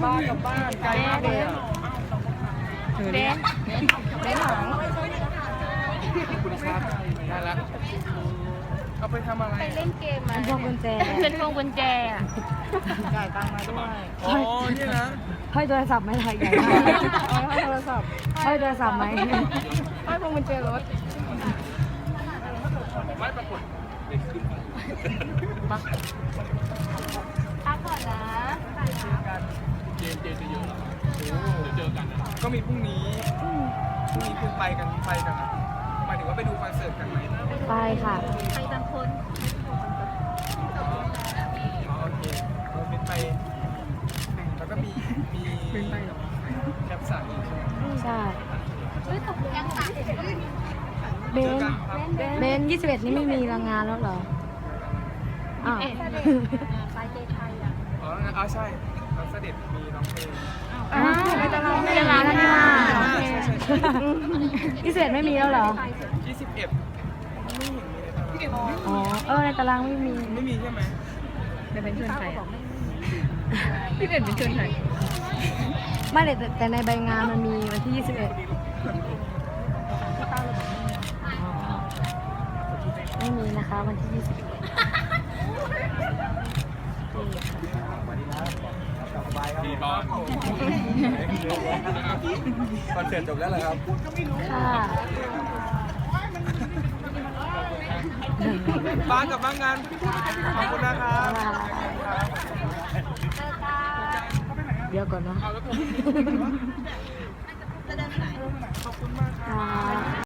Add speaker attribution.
Speaker 1: บ้านกับบ้านไกลมากเลยเบนหลังคุณครับได้แล้วเอาไปทำอะไร
Speaker 2: ไปเล่นเกมมา
Speaker 3: พวงกุญแจ
Speaker 2: เป็นพวงกุญแจอ่ะ
Speaker 1: จ่ายตังค์มาด้วยอ๋อนี่นะ
Speaker 3: ห้อยโทรศัพท์ไหมไทยใหญ่มาก
Speaker 1: ให้โทรศัพท์
Speaker 3: ห้อยโทรศัพท์ไหม
Speaker 1: ให้พวงกุญแจรถไม่ปรากฏมา
Speaker 2: พักก่อนนะ
Speaker 1: เจจะเยอะเจอกันก็มีพรุ่งนี้คุณไปกันหมายถึงว่าไปดูคอนเสิร์ตกันไหม
Speaker 3: ไปค่ะ
Speaker 2: ไปบางคน
Speaker 1: อ๋อโอเคเราเป็นไปแล้วก็มีแคปสั่งอีกใช่ไหม
Speaker 3: ใช่
Speaker 2: เฮ้ยตกยังตัด
Speaker 3: เบนเบน21นี่ไม่มีรางงานแล้วเหรออ้าว
Speaker 2: ไปเจไทยอ่ะ
Speaker 1: อ๋อใช่เราเสด็จมีน้องเพลง
Speaker 3: ในตารางไม่ได้ร้านแล้วนี่ว่า21ไม่มีแล้วเหรอ
Speaker 1: 21ไม่เห็นมีในตาราง
Speaker 3: อ๋อในตารางไม่มี
Speaker 1: ไม่มีใช่ไหม
Speaker 2: เป็นชวนใครอ่ะ
Speaker 1: พี่เด่นเป็นชวนไหน
Speaker 3: ไม่แต่ในใบงานมันมีวันที่ 21ไม่มีนะคะวันที่ 21
Speaker 1: ดีบอลคอนเสิร์ตจบแล้วเหรอครับ
Speaker 3: ค่ะ
Speaker 1: บ้านกับบ้านงานขอบคุณนะครับ
Speaker 3: เดี๋ยวก่อนเนาะ
Speaker 1: เอาแล้วผม
Speaker 3: ค่ะ